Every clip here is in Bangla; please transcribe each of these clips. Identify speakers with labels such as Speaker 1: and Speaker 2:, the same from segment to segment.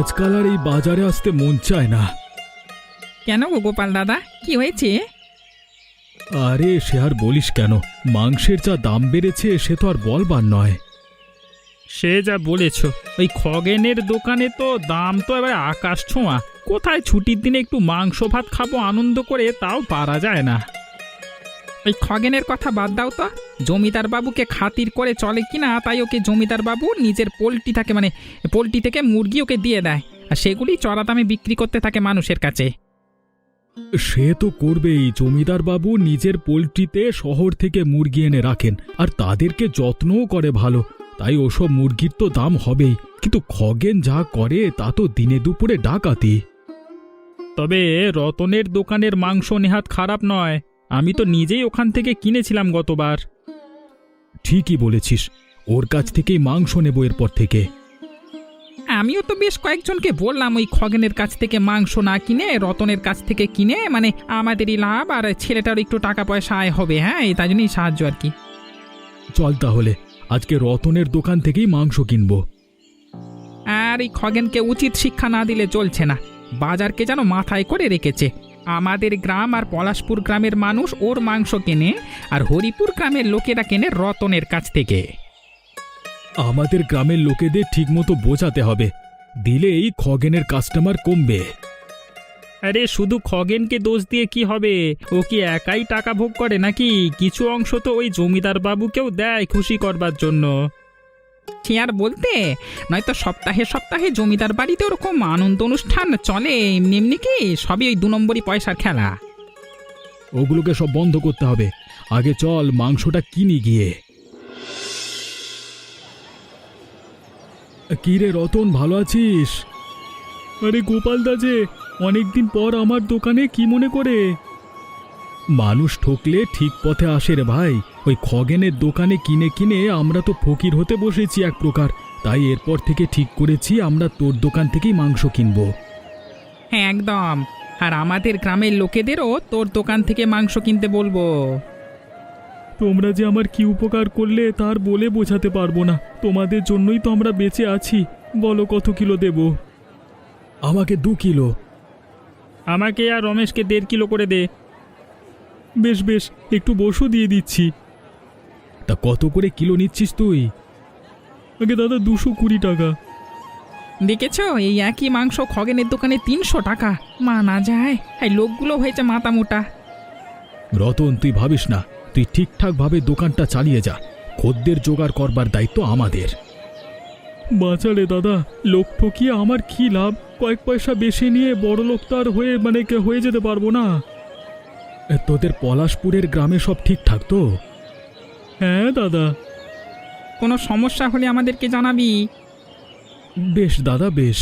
Speaker 1: আজকাল আর এই বাজারে আসতে মন চায় না।
Speaker 2: কেন গো গোপাল দাদা, কি হয়েছে?
Speaker 1: আরে সে আর বলিস কেন, মাংসের যা দাম বেড়েছে সে তো আর বলবার নয়।
Speaker 3: সে যা বলেছ, ওই খগেনের দোকানে তো দাম তো এবার আকাশ ছোঁয়া। কোথায় ছুটির দিনে একটু মাংস ভাত খাবো আনন্দ করে, তাও পারা যায় না।
Speaker 2: ওই খগেনের কথা বাদ দাও তো। জমিদার বাবুকে খাতির করে চলে কিনা, তাই ওকে জমিদার বাবু নিজের পোলট্রি থাকে, মানে পোলট্রি থেকে মুরগি ওকে দিয়ে দেয়, আর সেগুলি চড়া দামে বিক্রি করতে থাকে মানুষের কাছে।
Speaker 1: সে তো করবেই, জমিদার বাবু নিজের পোলট্রিতে শহর থেকে মুরগি এনে রাখেন আর তাদেরকে যত্নও করে ভালো, তাই ওসব মুরগির তো দাম হবেই। কিন্তু খগেন যা করে তা তো দিনে দুপুরে ডাকাতি।
Speaker 3: তবে রতনের দোকানের মাংস নেহাত খারাপ নয়, আমি তো নিজেই ওখান থেকে কিনেছিলাম গতবার।
Speaker 1: ঠিকই বলেছিস, ওর কাছ থেকেই মাংস নেব এরপর থেকে।
Speaker 2: আমিও তো বেশ কয়েকজনকে বললাম ওই খগেনের কাছ থেকে মাংস না কিনে রতনের কাছ থেকে কিনে, মানে আমাদেরই লাভ আর ছেলেটার একটু টাকা পয়সা আয় হবে। হ্যাঁ, এই তাই জন্যই সাহায্য আর কি।
Speaker 1: চল তাহলে আজকে রতনের দোকান থেকেই মাংস কিনবো।
Speaker 2: আর এই খগেনকে উচিত শিক্ষা না দিলে চলছে না, বাজারকে যেন মাথায় করে রেখেছে। আমাদের গ্রাম আর পলাশপুর গ্রামের মানুষ ওর মাংস কেনে, আর হরিপুর গ্রামের লোকেরা কেনে রতনের কাছ থেকে।
Speaker 1: আমাদের গ্রামের লোকেদের ঠিকমতো বোঝাতে হবে, দিলেই খগেনের কাস্টমার কমবে।
Speaker 3: আরে শুধু খগেনকে দোষ দিয়ে কি হবে? ও কি একাই টাকা ভোগ করে নাকি? কিছু অংশ তো ওই জমিদার বাবুকেও দেয় খুশি করবার জন্য।
Speaker 2: সে আর বলতে, নয়তো সপ্তাহে সপ্তাহে জমিদার বাড়িতে ওরকম আনন্দ অনুষ্ঠান চলে, এমনি এমনি কি সবই ওই 2 নম্বরই পয়সার খেলা।
Speaker 1: ওগুলোকে সব বন্ধ করতে হবে, আগে চল মাংসটা কিনি গিয়ে। কি রে রতন, ভালো আছিস? আরে গোপাল দা যে, অনেকদিন পর আমার দোকানে কি মনে করে? মানুষ ঠকলে ঠিক পথে আসে রে ভাই। ওই খগেনের দোকানে কিনে কিনে আমরা তো ফকির হতে বসেছি এক প্রকার, তাই এরপর থেকে ঠিক করেছি আমরা তোর দোকান থেকেই মাংস কিনবো।
Speaker 2: হ্যাঁ একদম, আর আমাদের গ্রামের লোকেদেরও তোর দোকান থেকে মাংস কিনতে বলবো।
Speaker 1: তোমরা যে আমার কি উপকার করলে তার বলে বোঝাতে পারবো না, তোমাদের জন্যই তো আমরা বেঁচে আছি। বলো কত কিলো দেব? আমাকে 2 কিলো।
Speaker 3: আমাকে আর রমেশকে 1.5 কিলো করে দে।
Speaker 1: বেশ বেশ, একটু বসু দিয়ে দিচ্ছি। তা কত করে কিলো নিচ্ছিস তুই? আগে দাদা 220 টাকা।
Speaker 2: দেখেছো, এই একই মাংস খগেনের দোকানে 300 টাকা। মানা যায়, এই লোকগুলো হয়েছে মাথা মোটা।
Speaker 1: রতন তুই ভাবিস না, তুই ঠিকঠাক ভাবে দোকানটা চালিয়ে যা, খদ্দের জোগাড় করবার দায়িত্ব আমাদের। বাঁচালে দাদা, লোক ঠকিয়ে আমার কি লাভ? কয়েক পয়সা বেশি নিয়ে বড় লোক তো আর হয়ে যেতে পারবো না। তোদের পলাশপুরের গ্রামে সব ঠিকঠাক তো? হ্যাঁ দাদা।
Speaker 2: কোনো সমস্যা হলে আমাদেরকে জানাবি।
Speaker 1: বেশ দাদা, বেশ।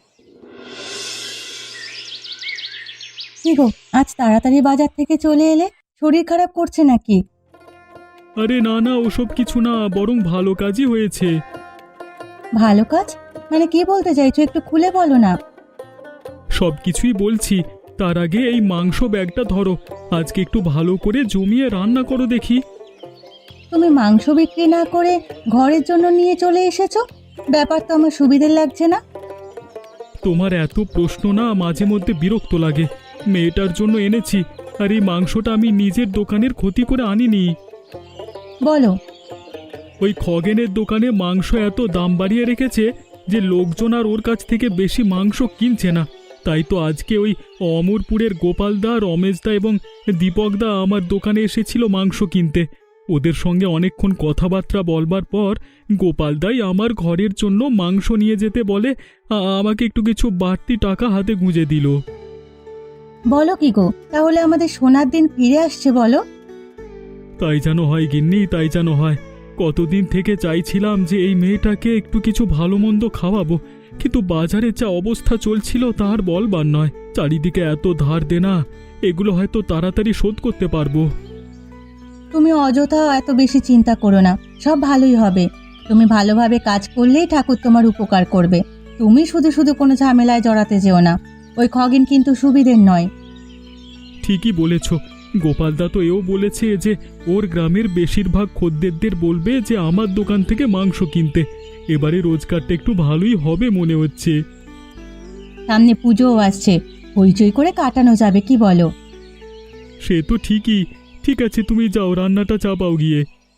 Speaker 4: কি গো, আজ তাড়াতাড়ি বাজার থেকে চলে এলে? শরীর খারাপ করছে নাকি?
Speaker 1: আরে না না, ওসব কিছু না, বরং ভালো কাজই হয়েছে।
Speaker 4: ভালো কাজ মানে কি বলতে চাইছো, একটু খুলে বলো না।
Speaker 1: সব কিছুই বলছি, তার আগে এই মাংস ব্যাগটা ধরো, আজকে একটু ভালো করে জমিয়ে রান্না করো দেখি।
Speaker 4: তুমি মাংস বিক্রি না করে ঘরের জন্য নিয়ে চলে এসেছো, ব্যাপার তো আমার সুবিধের লাগছে না।
Speaker 1: তোমার এত প্রশ্ন না মাঝে মধ্যে বিরক্ত লাগে। মেয়েটার জন্য এনেছি, আর এই মাংসটা আমি নিজের দোকানের ক্ষতি করে আনিনি।
Speaker 4: বলো।
Speaker 1: ওই খগেনের দোকানে মাংস এত দাম বাড়িয়ে রেখেছে যে লোকজন আর ওর কাছ থেকে বেশি মাংস কিনছে না। তাই তো আজকে ওই অমরপুরের গোপালদা, রমেশদা এবং দীপকদা আমার দোকানে এসেছিল মাংস কিনতে। ওদের সঙ্গে অনেকক্ষণ কথাবার্তা বলবার পর গোপালদাই আমার ঘরের জন্য মাংস নিয়ে যেতে বলে আমাকে একটু কিছু বাড়তি টাকা হাতে গুঁজে দিল।
Speaker 4: বলো কি গো, তাহলে আমাদের সোনার দিন ফিরে আসছে বলো?
Speaker 1: তাই যেন হয় গিন্নি, তাই যেন হয়। কতদিন থেকে চাইছিলাম যে এই মেয়েটাকে একটু কিছু ভালো মন্দ খাওয়াবো, কিন্তু বাজারে যা অবস্থা চলছিল তার বলবার নয়। চারিদিকে এত ধার দেনা, এগুলো হয়তো তাড়াতাড়ি শোধ করতে পারবো।
Speaker 4: তুমি অযথা এত বেশি চিন্তা করো না, সব ভালোই হবে। তুমি ভালোভাবে কাজ করলেই ঠাকুর তোমার উপকার করবে। তুমি শুধু শুধু কোনো ঝামেলায় জড়াতে যেও না। ওই খগেন কিন্তু সুবিধের নয়।
Speaker 1: ঠিকই বলেছ, গোপালদা তো এও বলেছে যে ওর গ্রামের বেশিরভাগ খদ্দেরদের বলবে যে আমার দোকান থেকে মাংস কিনতে। এবারে রোজগারটা একটু ভালোই হবে মনে হচ্ছে।
Speaker 4: সামনে পুজোও আসছে, হইচই করে কাটানো যাবে, কি বলো?
Speaker 1: সে তো ঠিকই। ঠিক আছে, তুমি যাও, রান্নাটা চাপাও গিয়ে।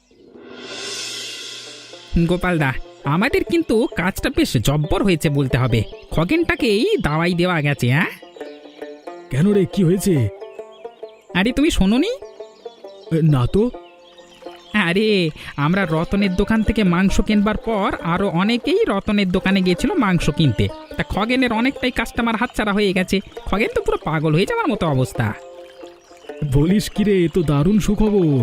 Speaker 2: গোপালদা, আমাদের কিন্তু কাজটা বেশ জব্বর হয়েছে বলতে হবে। খগেনটাকেই দাওয়াই দেওয়া গেছে। হ্যাঁ,
Speaker 1: কেন রে, কি হয়েছে?
Speaker 2: আরে তুমি শোনোনি?
Speaker 1: না তো।
Speaker 2: আরে আমরা রতনের দোকান থেকে মাংস কিনবার পর আরো অনেকেই রতনের দোকানে গিয়েছিল মাংস কিনতে। তা খগেনের অনেকটাই কাস্টমার হাতছাড়া হয়ে গেছে। খগেন তো পুরো পাগল হয়ে যাওয়ার মতো অবস্থা।
Speaker 1: বলিস কি রে, এ তো দারুণ সুখবর।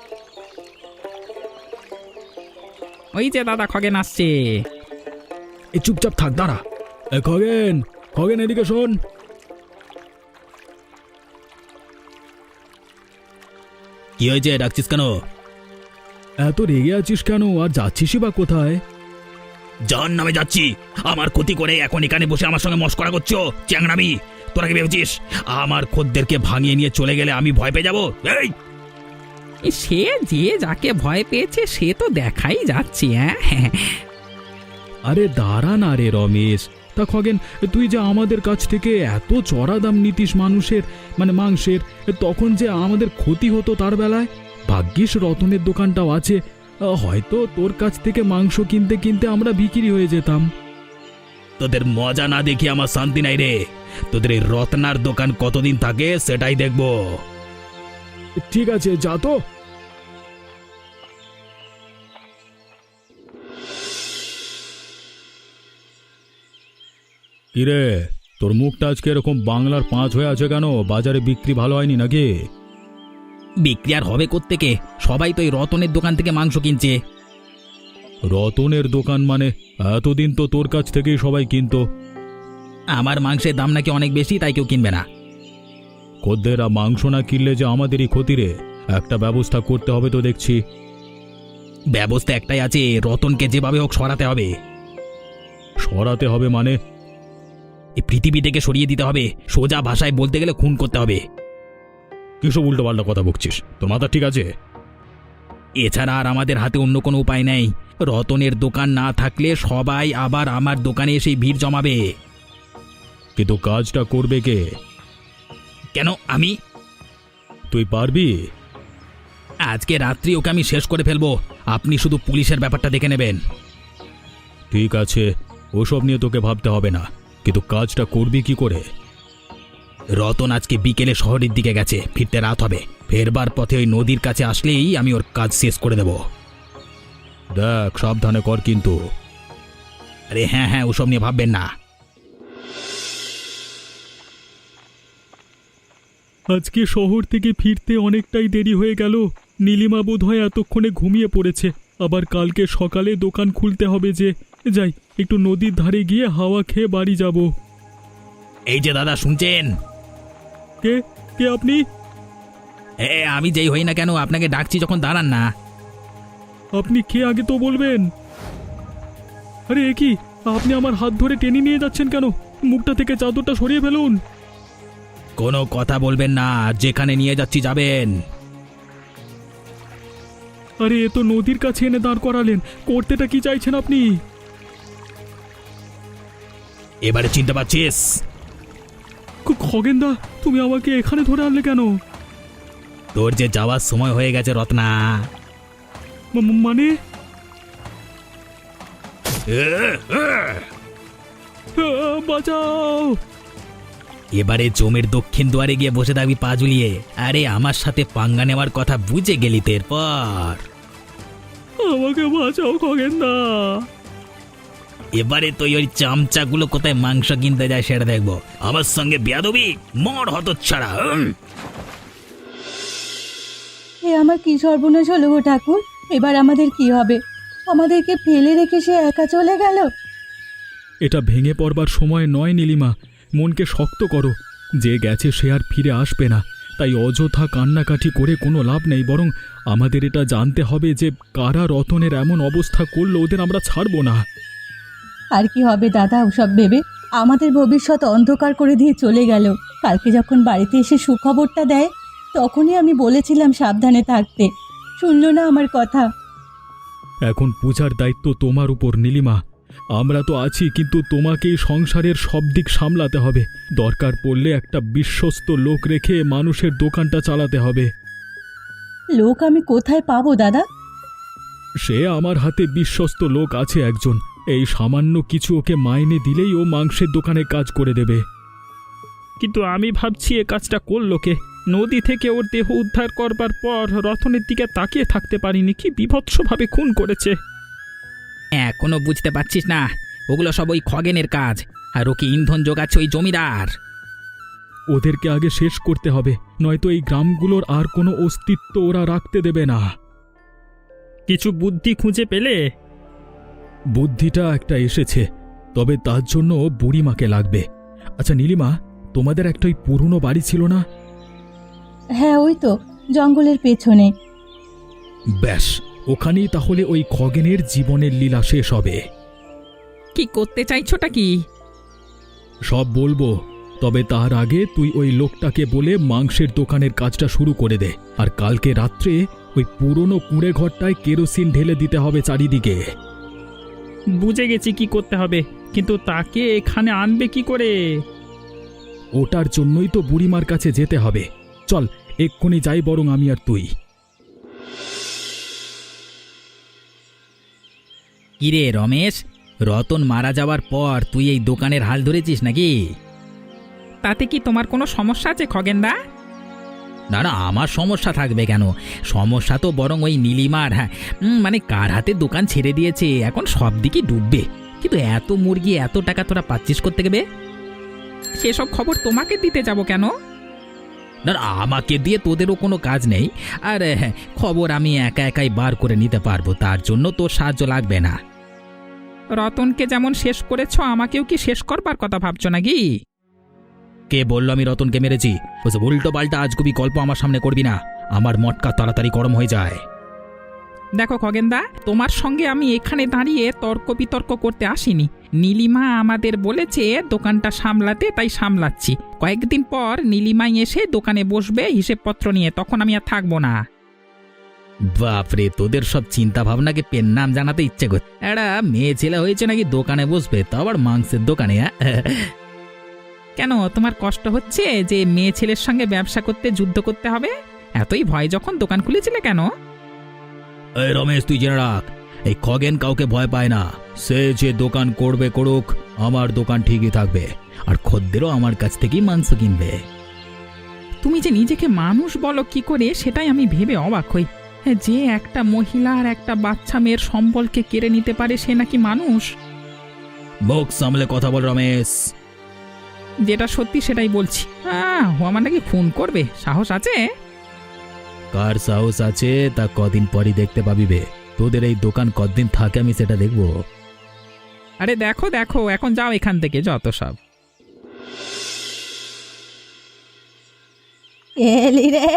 Speaker 2: ওই যে দাদা খগেন আসছে।
Speaker 1: এ চুপচাপ থাক, দাঁড়া। খগেন, খগেন এদিকে শোন।
Speaker 5: কি হয়েছে, ডাকছিস কেন?
Speaker 1: এত রেগে আছিস কেন, আর যাচ্ছিসই বা কোথায়?
Speaker 5: জাহান নামে যাচ্ছি। আমার ক্ষতি করে এখন এখানে বসে আমার সঙ্গে মস্করা করছো? চ্যাংরামি! তোরা কি ভেবেছিস আমার খদ্দেরকে ভাঙিয়ে নিয়ে চলে গেলে আমি ভয় পেয়ে যাবো? এই
Speaker 2: সে যে যাকে ভয় পেয়েছে সে তো দেখাই যাচ্ছে। হ্যাঁ,
Speaker 1: আরে দাঁড়া না রে রমেশ। তা খগেন, তুই যে আমাদের কাছ থেকে এত চড়া দাম নিতিস মানুষের, মানে মাংসের, তখন যে আমাদের ক্ষতি হতো তার বেলায়। ভাগ্যিস রতনের দোকানটাও আছে, হয়তো তোর কাছ থেকে মাংস কিনতে কিনতে আমরা বিক্রি হয়ে যেতাম।
Speaker 5: তোদের মজা না দেখি আমার শান্তি নাই রে। তোদের এই রত্নার দোকান কতদিন থাকে সেটাই দেখবো।
Speaker 1: ঠিক আছে, যা তো। কিরে, তোর মুখটা আজকে এরকম বাংলার 5 হয়ে আছে কেন? বাজারে বিক্রি ভালো হয়নি নাকি?
Speaker 5: বিক্রি আর হবে কোত্থেকে? সবাই তো এই রতনের দোকান থেকে মাংস কিনছে।
Speaker 1: রতনের দোকান মানে? এতদিন তো তোর কাছ থেকেই সবাই কিনতো।
Speaker 5: আমার মাংসের দাম নাকি অনেক বেশি, তাই কেউ কিনবে না।
Speaker 1: খদ্দেররা মাংস না কিনলে যে আমাদেরই ক্ষতি রে। একটা ব্যবস্থা করতে হবে তো দেখছি।
Speaker 5: ব্যবস্থা একটাই আছে, রতনকে যেভাবে হোক সরাতে হবে।
Speaker 1: সরাতে হবে মানে?
Speaker 5: এই পৃথিবী থেকে সরিয়ে দিতে হবে। সোজা ভাষায় বলতে গেলে খুন করতে হবে।
Speaker 1: কিসব উল্টো পাল্টা কথা বকছিস? তোর মাথা ঠিক আছে?
Speaker 5: এছাড়া আর আমাদের হাতে অন্য কোনো উপায় নেই। রতনের দোকান না থাকলে সবাই আবার আমার দোকানে এসে ভিড় জমাবে।
Speaker 1: কিন্তু কাজটা করবে কে?
Speaker 5: কেন আমি?
Speaker 1: তুই পারবি?
Speaker 5: আজকে রাত্রি ওকে আমি শেষ করে ফেলবো। আপনি শুধু পুলিশের ব্যাপারটা দেখে নেবেন।
Speaker 1: ঠিক আছে, ওসব নিয়ে তোকে ভাবতে হবে না, কিন্তু কাজটা করবি কি করে?
Speaker 5: রতন আজকে বিকেলে শহরের দিকে গেছে, ফিরতে রাত হবে। ফেরবার পথে ওই নদীর কাছে আসলেই আমি ওর কাজ শেষ করে দেব।
Speaker 1: দেখ, সাবধানে কর কিন্তু।
Speaker 5: আরে হ্যাঁ হ্যাঁ, ওসব নিয়ে ভাববেন না।
Speaker 1: আজকে শহর থেকে ফিরতে অনেকটাই দেরি হয়ে গেল। নীলিমা বোধহয় এতক্ষণে ঘুমিয়ে পড়েছে। আবার কালকে সকালে দোকান খুলতে হবে যে। যাই, একটু নদীর ধারে গিয়ে হাওয়া খেয়ে বাড়ি যাব।
Speaker 5: এই যে দাদা, শুনছেন?
Speaker 1: কে কে আপনি?
Speaker 5: আমি যেই হই না কেন, আপনাকে ডাকছি যখন দাঁড়ান না।
Speaker 1: আপনি কে আগে তো বলবেন। আরে এ কি, আপনি আমার হাত ধরে টেনে নিয়ে যাচ্ছেন কেন? মুখটা থেকে চাদরটা সরিয়ে ফেলুন।
Speaker 5: কোনো কথা বলবেন না, যেখানে নিয়ে যাচ্ছি যাবেন।
Speaker 1: আরে এ তো নদীর কাছে এনে দাঁড় করালেন। করতেটা কি চাইছেন আপনি?
Speaker 5: এবারে চিনতে পারছিস?
Speaker 1: খগেনদা, তুমি আমাকে এখানে ধরে আনলে কেন?
Speaker 5: তোর যে যাওয়ার সময় হয়ে গেছে রত্না।
Speaker 1: মানে? বাঁচাও!
Speaker 5: এবারে জমির দক্ষিণ দুয়ারে গিয়ে বসে থাকবি পা ঝুলিয়ে। আরে আমার সাথে পাঙ্গা নেওয়ার কথা বুঝে গেলি তো এরপর।
Speaker 1: আমাকে বাঁচাও খগেনদা।
Speaker 5: এবারে তুই ওই চামচাগুলো কোথায় মাংস কিনতে যায় সেটা দেখবো। আমার সঙ্গে বেয়াদবি, মর হতচ্ছাড়া।
Speaker 4: এ আমার কি সর্বনাশ হলো গো ঠাকুর! এবার আমাদের কি হবে? আমাদেরকে ফেলে রেখে সে একা চলে গেল।
Speaker 1: এটা ভেঙে পড়বার সময় নয় নীলিমা। মনকে শক্ত করো। যে গেছে সে আর ফিরে আসবে না। তাই অযথা কান্নাকাটি করে কোনো লাভ নেই। বরং আমাদের এটা জানতে হবে যে কারা রতনের এমন অবস্থা করলো, ওদের আমরা ছাড়বো না।
Speaker 4: আর কি হবে দাদা ওসব ভেবে? আমাদের ভবিষ্যৎ অন্ধকার করে দিয়ে চলে গেল। কালকে যখন বাড়িতে এসে সুখবরটা দেয়, তখনই আমি বলেছিলাম সাবধানে থাকতে। শুনলো না আমার কথা।
Speaker 1: এখন পূজার দায়িত্ব তোমার উপর নীলিমা। আমরা তো আছি, কিন্তু তোমাকেই সংসারের সব দিক সামলাতে হবে। দরকার পড়লে একটা বিশ্বস্ত লোক রেখে মানুষের দোকানটা চালাতে হবে।
Speaker 4: লোক আমি কোথায় পাবো দাদা?
Speaker 1: সে আমার হাতে বিশ্বস্ত লোক আছে একজন। এই সামান্য কিছু ওকে মাইনে দিলেই ও মাংসের দোকানে কাজ করে দেবে।
Speaker 3: কিন্তু আমি ভাবছি এ কাজটা করলো কে? নদী থেকে ওর দেহ উদ্ধার করবার পর রতনের দিকে তাকিয়ে থাকতে পারিনি, কি বিভৎসভাবে খুন করেছে।
Speaker 2: এখনো বুঝতে পারছিস না? ওগুলো সব ওই খগেনের কাজ, আর ওকে ইন্ধন যোগাচ্ছে ওই জমিদার।
Speaker 1: ওদেরকে আগে শেষ করতে হবে, নয়তো এই গ্রামগুলোর আর কোনো অস্তিত্ব ওরা রাখতে দেবে না।
Speaker 3: কিছু বুদ্ধি খুঁজে পেলে?
Speaker 1: বুদ্ধিটা একটা এসেছে, তবে তার জন্য বুড়িমাকে লাগবে। আচ্ছা নীলিমা, তোমাদের একটা ওই পুরনো বাড়ি ছিল না?
Speaker 4: হ্যাঁ, ওই তো জঙ্গলের পেছনে।
Speaker 1: ব্যাস, ওখানেই তাহলে ওই খগেনের জীবনের লীলা শেষ হবে।
Speaker 2: কি করতে চাইছোটা কি?
Speaker 1: সব বলবো, তবে তার আগে তুই ওই লোকটাকে বলে মাংসের দোকানের কাজটা শুরু করে দে। আর কালকে রাত্রে ওই পুরনো কুঁড়ে ঘরটায় কেরোসিন ঢেলে দিতে হবে চারিদিকে।
Speaker 3: বুঝে গেছি কি করতে হবে, কিন্তু তাকে এখানে আনবে কি করে?
Speaker 1: ওটার জন্যই তো বুড়িমার কাছে যেতে হবে। চল এক্ষুনি যাই বরং আমি আর তুই।
Speaker 2: কিরে রমেশ, রতন মারা যাওয়ার পর তুই এই দোকানের হাল ধরেছিস নাকি? তাতে কি তোমার কোনো সমস্যা আছে খগেনদা? না না, আমার সমস্যা থাকবে কেন? সমস্যা তো বরং ওই নীলিমার। হ্যাঁ, মানে কার হাতে দোকান ছেড়ে দিয়েছে, এখন সব দিকে ডুববে। কিন্তু এত মুরগি, এত টাকা তোরা পাচ্ছিস করতে গেবে? সেসব খবর তোমাকে দিতে যাব কেন? না না, আমাকে দিয়ে তোদেরও কোনো কাজ নেই। আর হ্যাঁ, খবর আমি একা একাই বার করে নিতে পারবো, তার জন্য তোর সাহায্য লাগবে না। রতনকে যেমন শেষ করেছ, আমাকেও কি শেষ করবার কথা ভাবছো নাকি? কে বললো আমি রতনকে মেরেছি? ওসব উল্টো পাল্টা আজগুবি গল্প আমার সামনে করবি না, আমার মটকা তাড়াতাড়ি গরম হয়ে যায়। দেখো খগেনদা, তোমার সঙ্গে আমি এখানে দাঁড়িয়ে তর্ক বিতর্ক করতে আসিনি। নীলিমা আমাদের বলেছে দোকানটা সামলাতে, তাই সামলাচ্ছি। কয়েকদিন পর নীলিমাই এসে দোকানে বসবে হিসেবপত্র নিয়ে, তখন আমি আর থাকবো না। বাপরে, তোদের সব চিন্তা ভাবনাকে পেন নাম জানাতে ইচ্ছে করছে। একটা মেয়ে ছেলে হয়েছে নাকি দোকানে বসবে, তো আবার মাংসের দোকানে? কেন, তোমার কষ্ট হচ্ছে যে মেয়ে ছেলের সঙ্গে ব্যবসা করতে যুদ্ধ করতে হবে? এতই ভয় যখন দোকান খুলেছিলে কেন?
Speaker 5: এই রমেশ, তুই জেনে রাখ, এই খগেন কাউকে ভয় পায় না। সে যে দোকান করবে করুক, আমার দোকান ঠিকই থাকবে, আর খদ্দেরও আমার কাছ থেকেই মাংস কিনবে।
Speaker 2: তুমি যে নিজেকে মানুষ বলো কি করে, সেটাই আমি ভেবে অবাক হই। যে একটা মহিলা আর একটা বাচ্চা মেয়ের সম্বলকে কেড়ে নিতে পারে, সে নাকি মানুষ?
Speaker 5: মুখ সামলে কথা বল রমেশ।
Speaker 2: যেটা সত্যি সেটাই বলছি। ও আমার নাকি খুন করবে, সাহস আছে?
Speaker 5: কার সাহস আছে তা কদিন পরই দেখতে পাবি বে। তোদের এই দোকান কতদিন থাকে আমি সেটা দেখবো।
Speaker 2: আরে দেখো দেখো, এখন যাও এখান থেকে, যত সব।
Speaker 4: এলি রে?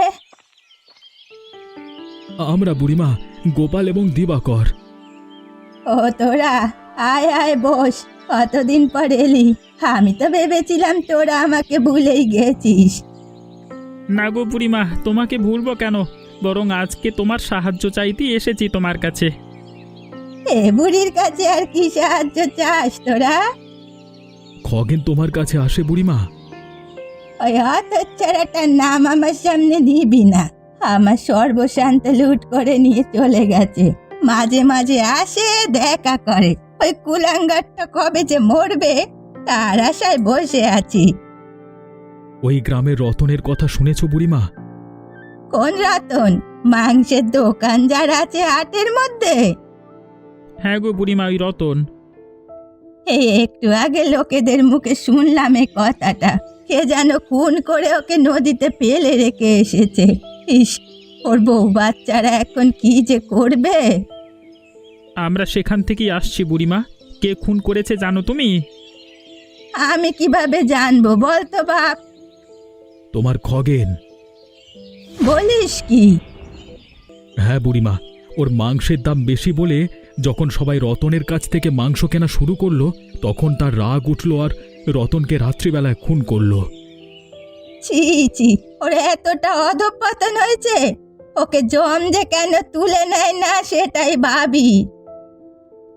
Speaker 1: আমরা বুড়িমা, গোপাল এবং দিবাকর।
Speaker 4: ও তোরা, আয় আয় বস। কতদিন পর এলি? আমি তো ভেবেছিলাম তোরা আমাকে ভুলেই গেছিস।
Speaker 3: না গো বুড়িমা, তোমাকে ভুলবো কেন? বরং আজকে তোমার সাহায্য চাইতেই এসেছি তোমার কাছে।
Speaker 4: এ বুড়ির কাছে আর কি সাহায্য চাস তোরা?
Speaker 1: খগেন তোমার কাছে আসে বুড়িমা?
Speaker 4: ওই হতচ্ছাড়াটার নাম আমার সামনে নিবি না। আমার সর্বশান্ত লুট করে নিয়ে চলে গেছে। মাঝে মাঝে আসে, দেখা করে। ওই কুলাঙ্গারটা কবে যে মরবে তার আশায় বসে আছি।
Speaker 1: ওই গ্রামের রতনের কথা শুনেছ বুড়িমা?
Speaker 4: কোন রতন? মাংসের দোকান যার আছে হাটের মধ্যে?
Speaker 3: হ্যাঁ গো বুড়িমা, ওই রতন।
Speaker 4: এই একটু আগে লোকেদের মুখে শুনলাম এই কথাটা। কে যেন খুন করে ওকে নদীতে ফেলে রেখে এসেছে। ইস, ওর বউ বাচ্চারা এখন কি যে করবে।
Speaker 3: আমরা সেখান থেকেই আসছি বুড়িমা। কে খুন করেছে জানো তুমি?
Speaker 4: আমি কিভাবে জানবো বলতো বাপ?
Speaker 1: তোমার খগেন।
Speaker 4: বলিস কি?
Speaker 1: হ্যাঁ বুড়িমা, ওর মাংসের দাম বেশি বলে যখন সবাই রতনের কাছ থেকে মাংস কেনা শুরু করলো, তখন তার রাগ উঠল আর রতনকে রাত্রিবেলায় খুন করলো।
Speaker 4: ছি ছি, ওর এতটা অধঃপতন হয়েছে। ওকে জম যে কেন তুলে নেয় না সেটাই ভাবি।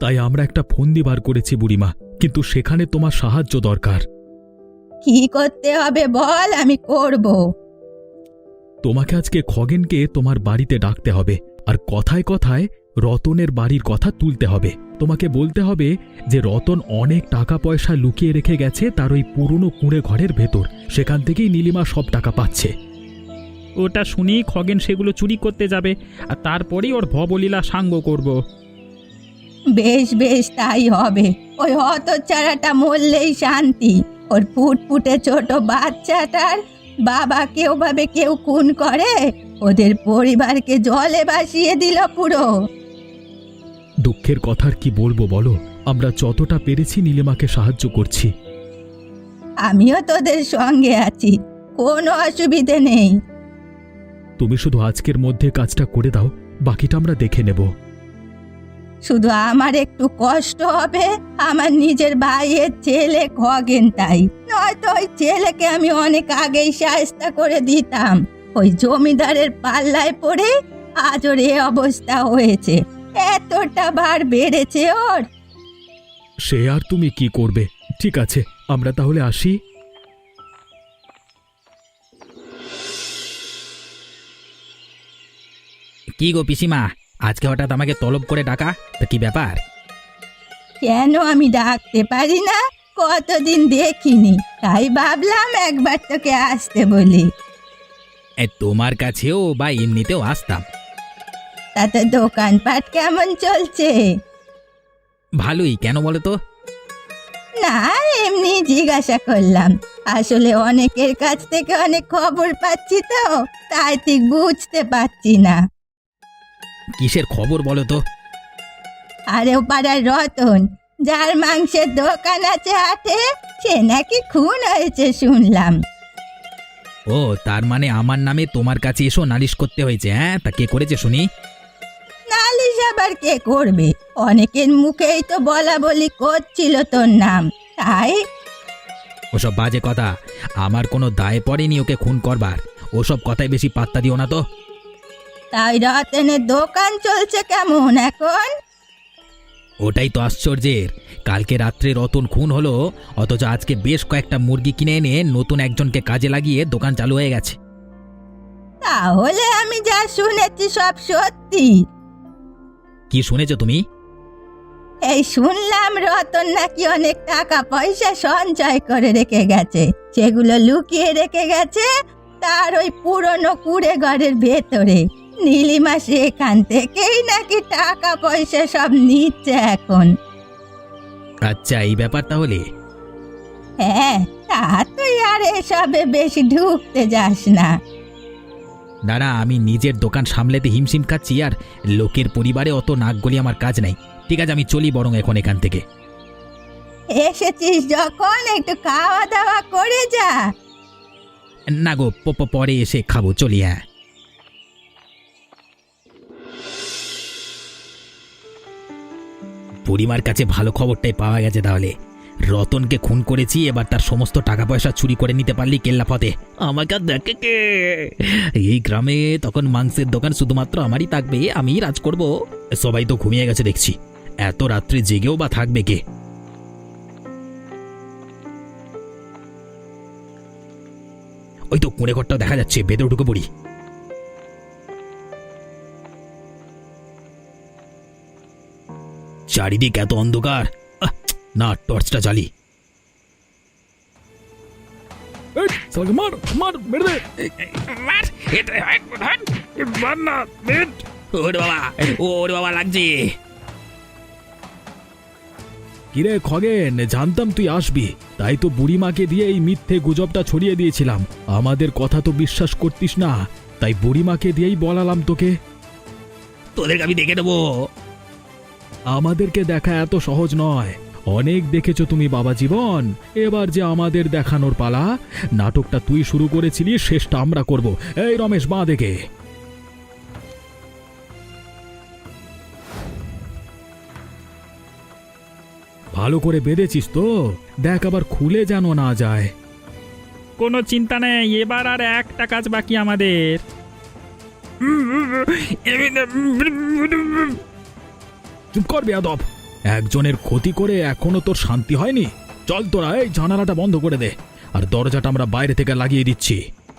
Speaker 1: তাই আমরা একটা ফন্দি বার করেছি বুড়িমা, কিন্তু সেখানে তোমার সাহায্য দরকার।
Speaker 4: কি করতে হবে বল, আমি করব।
Speaker 1: তোমাকে আজকে খগেনকে তোমার বাড়িতে ডাকতে হবে, আর কথায় কথায় রতনের বাড়ির কথা তুলতে হবে। তোমাকে বলতে হবে যে রতন অনেক টাকা পয়সা লুকিয়ে রেখে গেছে তার ওই পুরনো কুঁড়ে ঘরের ভেতর, সেখান থেকেই নীলিমা সব টাকা পাচ্ছে।
Speaker 3: ওটা শুনেই খগেন সেগুলো চুরি করতে যাবে, আর তারপরেই ওর ভবলীলা সাঙ্গ করব।
Speaker 4: বেশ বেশ, তাই হবে। ওই হতচ্ছাড়াটা মরলেই শান্তি। ওর ফুটফুটে ছোট বাচ্চাটার বাবাকে ওভাবে কেউ খুন করে? ওদের পরিবারকে জলে ভাসিয়ে দিল পুরো।
Speaker 1: দুঃখের কথার কি বলবো বলো, আমরা যতটা পেরেছি নীলিমাকে সাহায্য করছি।
Speaker 4: আমিও তোদের সঙ্গে আছি, কোনো অসুবিধে নেই।
Speaker 1: তুমি শুধু আজকের মধ্যে কাজটা করে দাও, বাকিটা আমরা দেখে নেব।
Speaker 4: শুধু আমার একটু কষ্ট হবে, আমার নিজের ভাইয়ের ছেলে খগেন, তাই নয়তো ওই ছেলেকে আমি অনেক আগেই শায়েস্তা করে দিতাম। ওই জমিদারের পাল্লায় পড়ে আজ ওর এ অবস্থা হয়েছে। এতটা বার বেড়েছে ওর।
Speaker 1: সে আর তুমি কি করবে? ঠিক আছে, আমরা তাহলে আসি।
Speaker 2: কি গো পিসিমা, আজকে হঠাৎ আমাকে তলব করে ডাকা, তা কি ব্যাপার?
Speaker 4: কেন আমি ডাকতে পারি না? কতদিন দেখিনি, তাই ভাবলাম একবার তোকে আসতে বলি।
Speaker 2: তোমার কাছেও বা এমনিতেও আসতাম।
Speaker 4: তাতে দোকানপাট কেমন চলছে?
Speaker 2: ভালোই, কেন বলো তো?
Speaker 4: না, এমনি জিজ্ঞাসা করলাম। আসলে অনেকের কাছ থেকে অনেক খবর পাচ্ছি তো, তাই ঠিক বুঝতে পারছি না।
Speaker 2: কিসের খবর বলো তো?
Speaker 4: আরে ও পাড়ার রতন, যার মাংসের দোকান আছে হাটে, সে নাকি খুন হয়েছে শুনলাম।
Speaker 2: ও, তার মানে আমার নামে তোমার কাছে এসো নালিশ করতে হয়েছে? হ্যাঁ, তা কে করেছে শুনি?
Speaker 4: নালিশ আবার কে করবে? অনেকের মুখেই তো বলা বলি করছিল তোর নাম, তাই।
Speaker 2: ওসব বাজে কথা, আমার কোনো দায় পড়েনি ওকে খুন করবার। ওসব কথায় বেশি পাত্তা দিও না তো।
Speaker 4: তাই রতনের দোকান চলছে কেমন এখন?
Speaker 2: ওটাই তো আশ্চর্যের, কালকে রাত্রে রতন খুন হলো, অথচ আজকে বেশ কয়েকটা মুরগি কিনে এনে নতুন একজনকে কাজে লাগিয়ে দোকান চালু হয়ে গেছে।
Speaker 4: তাহলে আমি যা শুনেছি সব সত্যি?
Speaker 2: কি শুনেছো তুমি?
Speaker 4: এই শুনলাম রতন নাকি অনেক টাকা পয়সা সঞ্চয় করে রেখে গেছে, সেগুলো লুকিয়ে রেখে গেছে তার ওই পুরনো কুড়ে ঘরের ভেতরে। নীলিমা সেখান থেকেই নাকি টাকা পয়সা সব নিচ্ছে এখন।
Speaker 2: আচ্ছা, এই ব্যাপার তাহলে।
Speaker 4: হ্যাঁ, তা তুই আর এসবে বেশি ঢুকতে যাস না।
Speaker 2: না না, আমি নিজের দোকান সামলাতে হিমশিম খাচ্ছি, আর লোকের পরিবারে অত নাক গলি আমার কাজ নাই। ঠিক আছে, আমি চলি বরং এখন এখান থেকে।
Speaker 4: এসেছিস যখন একটু খাওয়া দাওয়া করে যা।
Speaker 2: না গো, পরে এসে খাবো, চলি। হ্যাঁ, বুড়িমার কাছে ভালো খবরটাই পাওয়া গেছে তাহলে। রতনকে খুন করেছি, এবার তার সমস্ত টাকা পয়সা চুরি করে নিতে পারলি কেল্লাফতে। আমাকে আর দেখে কে? এই গ্রামে তখন মাংসের দোকান শুধুমাত্র আমারই থাকবে, আমিই রাজ করব। সবাই তো ঘুমিয়ে গেছে দেখছি, এত রাত্রে জেগেও বা থাকবে কে? ওই তো কুঁড়ে ঘরটাও দেখা যাচ্ছে, ভেতরে ঢুকে পড়ি। চারিদিক এত অন্ধকার, না টর্চটা জ্বালি।
Speaker 1: মার মার, মেরে দে।
Speaker 2: ওরে বাবা, ওরে বাবা, লাগছে।
Speaker 1: কিরে খগেন, জানতাম তুই আসবি, তাই তো বুড়িমাকে দিয়ে এই মিথ্যে গুজবটা ছড়িয়ে দিয়েছিলাম। আমাদের কথা তো বিশ্বাস করতিস না, তাই বুড়িমাকে দিয়েই বলালাম তোকে।
Speaker 2: তোদেরকে আমি দেখে নেবো।
Speaker 1: আমাদেরকে দেখা এত সহজ নয়, অনেক দেখেছো তুমি বাবা জীবন। এবার যে আমাদের দেখানোর পালা। নাটকটা তুই শুরু করেছিলি, শেষটা আমরা করব। এই রমেশ, বাঁ দেখে। ভালো করে বেঁধেছিস তো? দেখ আবার খুলে যেন না যায়।
Speaker 3: কোনো চিন্তা নেই, এবার আর একটা কাজ বাকি আমাদের।
Speaker 1: চুপ কর বেয়াদব।
Speaker 5: একজনের ক্ষতি করে এখনো তোর শান্তি হয়নি? চল তোরা এই জানালাটা বন্ধ করে দে, আর দরজাটা আমরা বাইরে থেকে লাগিয়ে দিচ্ছি।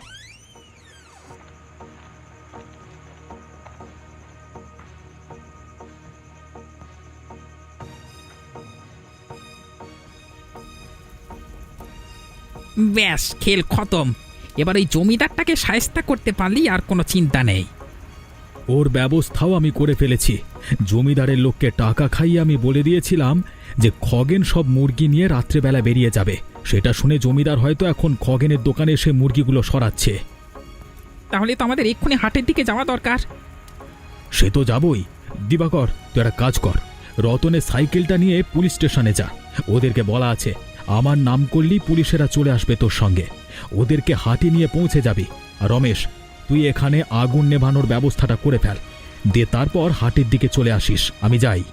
Speaker 2: ব্যাস, খেল খতম। এবার ওই জমিদারটাকে শায়েস্তা করতে পারলি আর কোনো চিন্তা নেই।
Speaker 5: ওর ব্যবস্থাও আমি করে ফেলেছি। জমিদারের লোককে টাকা খাইয়ে আমি বলে দিয়েছিলাম যে খগেন সব মুরগি নিয়ে রাত্রেবেলা বেরিয়ে যাবে। সেটা শুনে জমিদার হয়তো এখন খগেনের দোকানে এসে মুরগিগুলো সরাচ্ছে।
Speaker 2: তাহলে তো আমাদের এক্ষুনি হাটের দিকে যাওয়া দরকার।
Speaker 5: সে তো যাবই। দিবাকর, তুই একটা কাজ কর, রতনের সাইকেলটা নিয়ে পুলিশ স্টেশনে যা। ওদেরকে বলা আছে আমার নাম করলেই পুলিশেরা চলে আসবে তোর সঙ্গে। ওদেরকে হাটে নিয়ে পৌঁছে যাবি। আর রমেশ, তুই এখানে আগুন নেভানোর ব্যবস্থাটা করে ফেল, দিয়ে তারপর হাটের দিকে চলে আসিস। আমি যাই।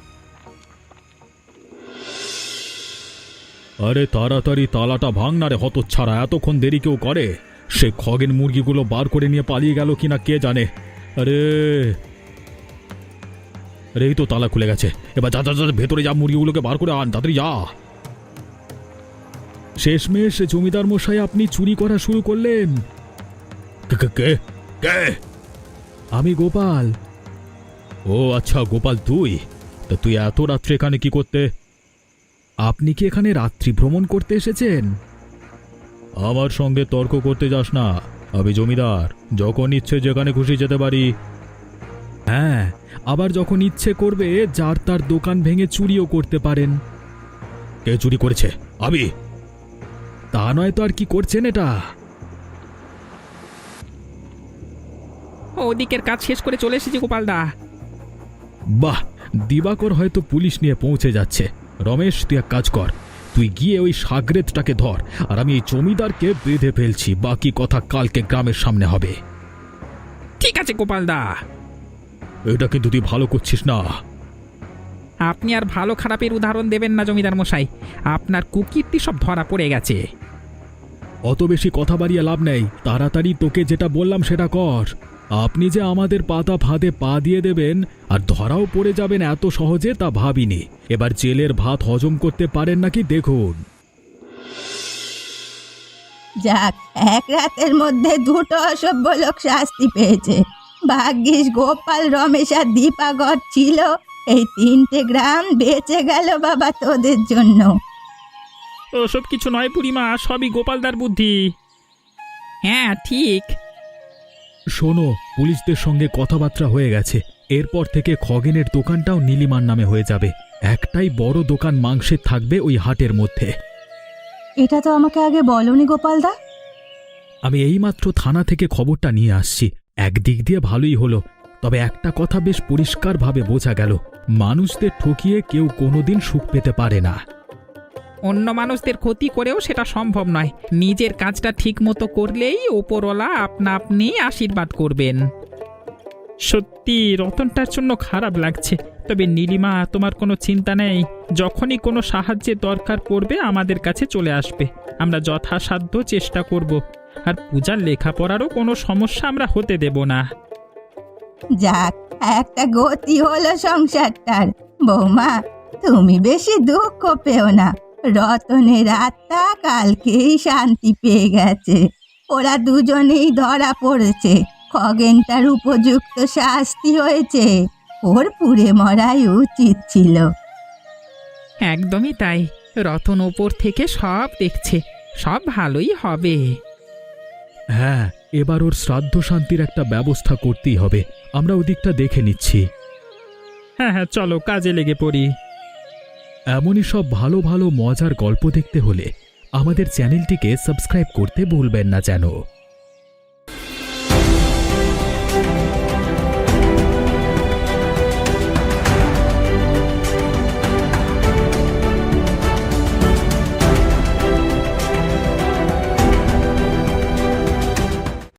Speaker 5: আরে তাড়াতাড়ি তালাটা ভাঙ না রে হতচ্ছাড়া, এতক্ষণ দেরি কেউ করে? সে খগেন মুরগিগুলো বার করে নিয়ে পালিয়ে গেল কিনা কে জানে। আরে আরে এই তো তালা খুলে গেছে। এবার যা যা যা, ভেতরে যা, মুরগিগুলোকে বার করে আন, তাড়াতাড়ি যা। শেষমেশ জমিদার মশাই আপনি চুরি করা শুরু করলেন। কে? আমি গোপাল। ও আচ্ছা গোপাল, তুই তা তুই এত রাত্রে এখানে কি করতে? আপনি কি এখানে রাত্রি ভ্রমণ করতে এসেছেন? আমার সঙ্গে তর্ক করতে যাস না, আমি জমিদার, যখন ইচ্ছে যেখানে খুশি যেতে পারি। হ্যাঁ, আবার যখন ইচ্ছে করবে যার তার দোকান ভেঙে চুরিও করতে পারেন। কে চুরি করেছে? আমি। তা নয় তো আর কি করছেন এটা?
Speaker 2: ওদিকের কাজ শেষ করে চলে এসেছি গোপালদা।
Speaker 5: বাহ, দিবাকর হয়তো পুলিশ নিয়ে পৌঁছে যাচ্ছে। রমেশ, তুই এক কাজ কর, তুই গিয়ে ওই সাগরেদটাকে ধর, আর আমি এই জমিদারকে বেঁধে ফেলছি। বাকি কথা কালকে গ্রামের সামনে হবে।
Speaker 2: ঠিক আছে গোপালদা।
Speaker 5: এটা কিন্তু তুই ভালো করছিস না।
Speaker 2: আপনি আর ভালো খারাপের উদাহরণ দেবেন না জমিদার মশাই, আপনার কুকীর্তি সব ধরা পড়ে গেছে।
Speaker 5: অত বেশি কথা বাড়িয়ে লাভ নেই, তাড়াতাড়ি তোকে যেটা বললাম সেটা কর। আপনি যে আমাদের পাতা ফাঁদে পা দিয়ে দেবেন আর ধরাও পড়ে যাবেন এত সহজে তা ভাবিনি। এবার জেলের ভাত হজম করতে পারেন নাকি দেখুন।
Speaker 4: যাক, এক রাতের মধ্যে দুটো অসভ্য লোক শাস্তি পেয়েছে। ভাগ্যিস গোপাল, রমেশ আর দীপাকর ছিল, এই 3টে গ্রাম বেঁচে গেল বাবা তোদের জন্য।
Speaker 3: ওসব কিছু নয় বুড়িমা, সবই গোপালদার বুদ্ধি।
Speaker 2: হ্যাঁ ঠিক।
Speaker 5: শোনো, পুলিশদের সঙ্গে কথাবার্তা হয়ে গেছে। এরপর থেকে খগেনের দোকানটাও নীলিমার নামে হয়ে যাবে। একটাই বড় দোকান মাংসের থাকবে ওই হাটের মধ্যে।
Speaker 4: এটা তো আমাকে আগে বলনি গোপালদা।
Speaker 5: আমি এইমাত্র থানা থেকে খবরটা নিয়ে আসছি। একদিক দিয়ে ভালোই হলো, তবে একটা কথা বেশ পরিষ্কারভাবে বোঝা গেল, মানুষদের ঠকিয়ে কেউ কোনোদিন সুখ পেতে পারে না।
Speaker 2: অন্য মানুষদের ক্ষতি করেও সেটা সম্ভব নয়। নিজের কাজটা ঠিক মতো করলেই ওপরওয়ালা আপনা আপনি আশীর্বাদ করবেন।
Speaker 3: সত্যি রতনটার জন্য খারাপ লাগছে, তবে নীলিমা তোমার কোনো চিন্তা নেই। যখনই কোনো সাহায্যের দরকার পড়বে আমাদের কাছে চলে আসবে। আমরা যথাসাধ্য চেষ্টা করব, আর পূজার লেখাপড়ারও কোনো সমস্যা আমরা হতে দেব না।
Speaker 4: যাক, একটা গতি হলো সংসারটার। বৌমা, তুমি বেশি দুঃখ পেও না, রতনের আত্মা কালকেই শান্তি পেয়ে গেছে। ওরা দুজনেই ধরা পড়েছে, খগেনটার উপযুক্ত শাস্তি হয়েছে। ওর পুড়ে মরাই উচিত ছিল।
Speaker 2: একদমই তাই, রতন ওপর থেকে সব দেখছে, সব ভালোই হবে।
Speaker 5: হ্যাঁ, এবার ওর শ্রাদ্ধ শান্তির একটা ব্যবস্থা করতেই হবে। আমরা ওদিকটা দেখে নিচ্ছি।
Speaker 3: হ্যাঁ হ্যাঁ, চলো কাজে লেগে পড়ি।
Speaker 5: এমনই সব ভালো ভালো মজার গল্প দেখতে হলে আমাদের চ্যানেলটিকে সাবস্ক্রাইব করতে ভুলবেন না যেন।